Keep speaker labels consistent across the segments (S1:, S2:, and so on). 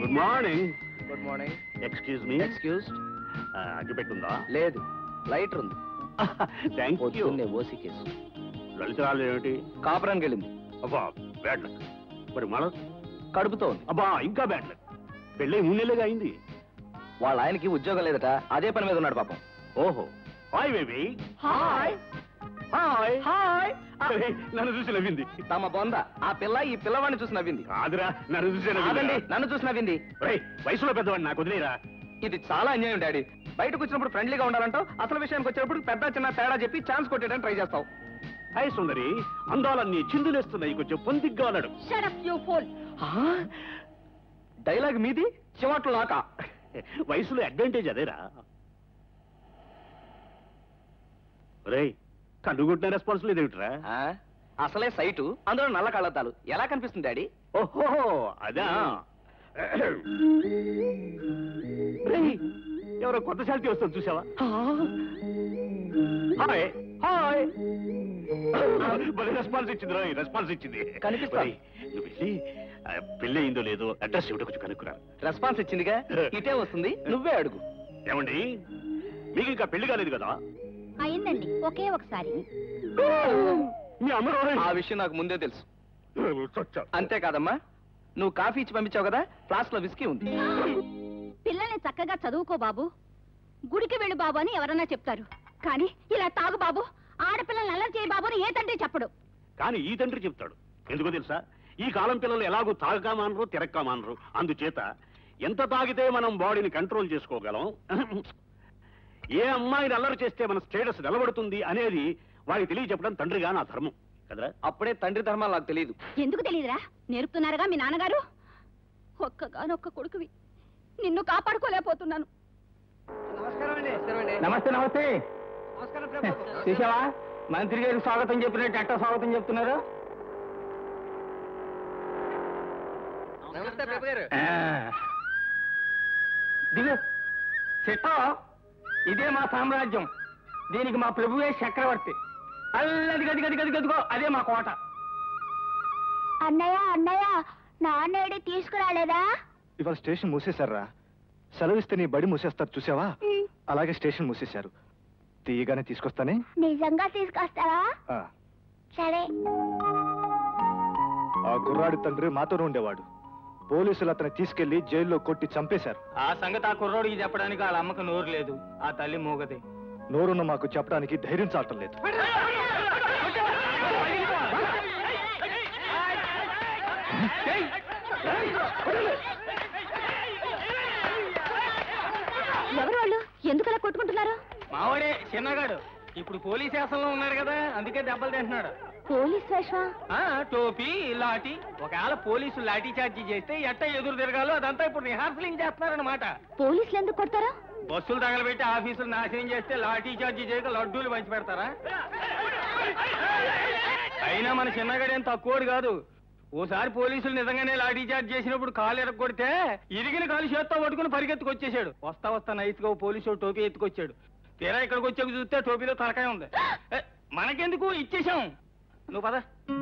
S1: Good morning.
S2: Good morning.
S1: Excuse me.
S2: Excuse.
S1: అగ్గిపెట్టుందా?
S2: లేదు, lighter ఉంది.
S1: Thank you.
S2: ఓసి కేసు.
S1: లలితరాలు ఏమిటి?
S2: కాపురానికి వెళ్ళింది.
S1: అబ్బా బ్యాడ్ లక్. మరి మన
S2: కడుపుతో ఉంది.
S1: అబ్బా ఇంకా బ్యాడ్ లక్. పెళ్ళి 3 నెలలుగా అయింది.
S2: వాళ్ళ ఆయనకి ఉద్యోగం లేదట, అదే పని మీద ఉన్నాడు పాపం.
S1: ఓహో. Hi baby.
S2: Hi
S1: hi.
S2: Hi.
S1: నన్ను చూసి నవ్వింది.
S2: తమ బొంద ఆ పిల్ల ఈ పిల్లవాడిని చూసి నవ్వింది.
S1: కాదురా, నన్ను చూసి
S2: కాదండి, నన్ను చూసి నవ్వింది.
S1: వయసులో పెద్దవాడిని, నాకు వదిలేరా.
S2: ఇది చాలా అన్యాయం డాడీ. బయటకు వచ్చినప్పుడు ఫ్రెండ్లీగా ఉండాలంటావు, అసలు విషయానికి వచ్చినప్పుడు పెద్ద చిన్న తేడా చెప్పి ఛాన్స్ కొట్టేయడానికి ట్రై చేస్తావు.
S1: హాయ్ సుందరి, అందాలన్నీ చిందులేస్తున్నాయి, కొంచెం పొందిగ్గా అన్నాడు.
S2: డైలాగ్ మీది, చివాట్లు నాకా.
S1: వయసులో అడ్వాంటేజ్ అదేరా. రేయ్, కన్నుగుట్టిన రెస్పాన్సిబిలిటీ ఏమిట్రా?
S2: అసలే సైటు, అందులో నల్ల కళ్ళద్దాలు, ఎలా కనిపిస్తుంది డాడీ?
S1: ఓహో అదా. ఎవరో కొత్త శాంతి వస్తుంది చూసావా? Hi hi. రెస్పాన్స్ ఇచ్చింది రా, రెస్పాన్స్ ఇచ్చింది.
S2: కనిపిస్తాయి.
S1: నువ్వు వెళ్ళి పెళ్ళి అయిందో లేదో అడ్రస్ ఇవ్వడం కొంచెం కనుక్కురా.
S2: రెస్పాన్స్ ఇచ్చిందిగా, ఇటే వస్తుంది, నువ్వే అడుగు.
S1: ఏమండి, మీకు ఇంకా పెళ్లి కాలేదు కదా?
S3: అయిందండి, ఒకే ఒకసారి.
S1: మీ అమ్మ
S2: ఆ విషయం నాకు ముందే తెలుసు. అంతేకాదమ్మా, నువ్వు కాఫీ ఇచ్చి పంపించావు కదా, ఫ్లాస్క్ లో విస్కీ ఉంది.
S3: పిల్లల్ని చక్కగా చదువుకో బాబు, గుడికి వెళ్ళు బాబు అని ఎవరన్నా చెప్తారు, కానీ ఇలా తాగు బాబు, ఆడపిల్లల్ని అల్లరి చేయి బాబు అని ఏ తండ్రి చెప్పడు.
S1: కానీ ఈ తండ్రి చెప్తాడు. ఎందుకో తెలుసా? ఈ కాలం పిల్లలు ఎలాగూ తాగకా మానరు, తిరక్కా మానరు. అందుచేత ఎంత తాగితే మనం బాడీని కంట్రోల్ చేసుకోగలం, ఏ అమ్మాయిని అల్లరి చేస్తే మన స్టేటస్ నిలబడుతుంది అనేది వారికి తెలియచెప్పడం తండ్రిగా నా ధర్మం కదరా.
S2: అప్పుడే తండ్రి ధర్మాలు నాకు తెలియదు.
S3: ఎందుకు తెలియదురా? నేర్పుతున్నారుగా మీ నాన్నగారు. ఒక్కగానొక్క కొడుకువి, నిన్ను కాపాడుకోలేకపోతున్నాను.
S2: నమస్తే నమస్తే. చూసావా, మంత్రి గారికి స్వాగతం చెప్పినట్టు ఎట్టా స్వాగతం చెప్తున్నారు. దిగు సెట్టో, ఇదే మా సామ్రాజ్యం, దీనికి మా ప్రభువే చక్రవర్తి. అల్లది గది గది గది గదిగో, అదే మా కోట.
S3: అన్నయ్య అన్నయ్య, నాన్నేడి తీసుకురాలేదా?
S4: ఇవాళ స్టేషన్ మూసేశారా? సెలవిస్తే నీ బడి మూసేస్తారు చూసావా, అలాగే స్టేషన్ మూసేశారు. తీయగానే తీసుకొస్తానే.
S3: నిజంగా తీసుకొస్తావా? సరే.
S4: ఆ గుర్రాడి తండ్రి మాతోనే ఉండేవాడు. పోలీసులు అతన్ని తీసుకెళ్లి జైల్లో కొట్టి చంపేశారు.
S2: ఆ సంగతి ఆ కుర్రోడికి చెప్పడానికి వాళ్ళ అమ్మకు నోరు లేదు, ఆ తల్లి మూగది.
S4: నోరున్న మాకు చెప్పడానికి ధైర్యం చాలటం లేదు.
S3: ఎవరు వాళ్ళు? ఎందుకలా కొట్టుకుంటున్నారు?
S2: మావాడే చిన్నగాడు, ఇప్పుడు పోలీస్ శాసనంలో ఉన్నాడు కదా, అందుకే దెబ్బలు తింటున్నాడు.
S3: పోలీస్ వేషం?
S2: టోపీ లాఠీ. ఒకవేళ పోలీసులు లాఠీ చార్జీ చేస్తే ఎట్ట ఎదురు తిరగాలో అదంతా ఇప్పుడు రిహార్సలింగ్ చేస్తున్నారనమాట.
S3: పోలీసులు ఎందుకు కొడతారా?
S2: బస్సులు తగలబెట్టి ఆఫీసులు నాశనం చేస్తే లాఠీ చార్జీ చేయక లడ్డూలు పంచి పెడతారా? అయినా మన చిన్నగాడేం తక్కువడు కాదు. ఓసారి పోలీసులు నిజంగానే లాఠీ చార్జ్ చేసినప్పుడు కాలు ఎరగొడితే ఇరిగిన కాలు చేత్తో పట్టుకుని పరిగెత్తుకొచ్చేసాడు. వస్తా వస్తా నైస్గా పోలీసు టోపీ ఎత్తుకొచ్చాడు. తీరా ఇక్కడికి వచ్చాక చూస్తే టోపీలో తలకాయ ఉంది. మనకెందుకు, ఇచ్చేసాం. నువ్వు పద.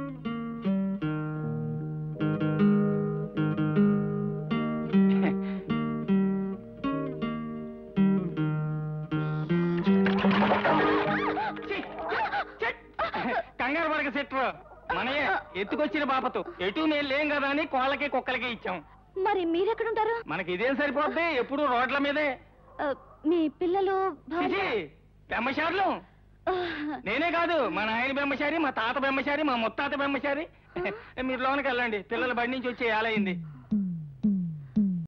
S2: కంగారు పడక సెట్రు, మనయే ఎత్తుకొచ్చిన బాపతో. ఎటు నేను లేం కదా అని కోళ్ళకి కుక్కలకి ఇచ్చాం.
S3: మరి మీరెక్కడుంటారు?
S2: మనకి ఇదేం సరిపోద్ది, ఎప్పుడు రోడ్ల మీదే.
S3: మీ పిల్లలు
S2: బెమ్మశారులు నేనే కాదు, మా నాయన బెమ్మశారి, మా తాత బెమ్మశారి, మా ముత్తాత బెమ్మశారి. మీరు లోనికి వెళ్ళండి, పిల్లల బడి నుంచి వచ్చే ఏలైంది.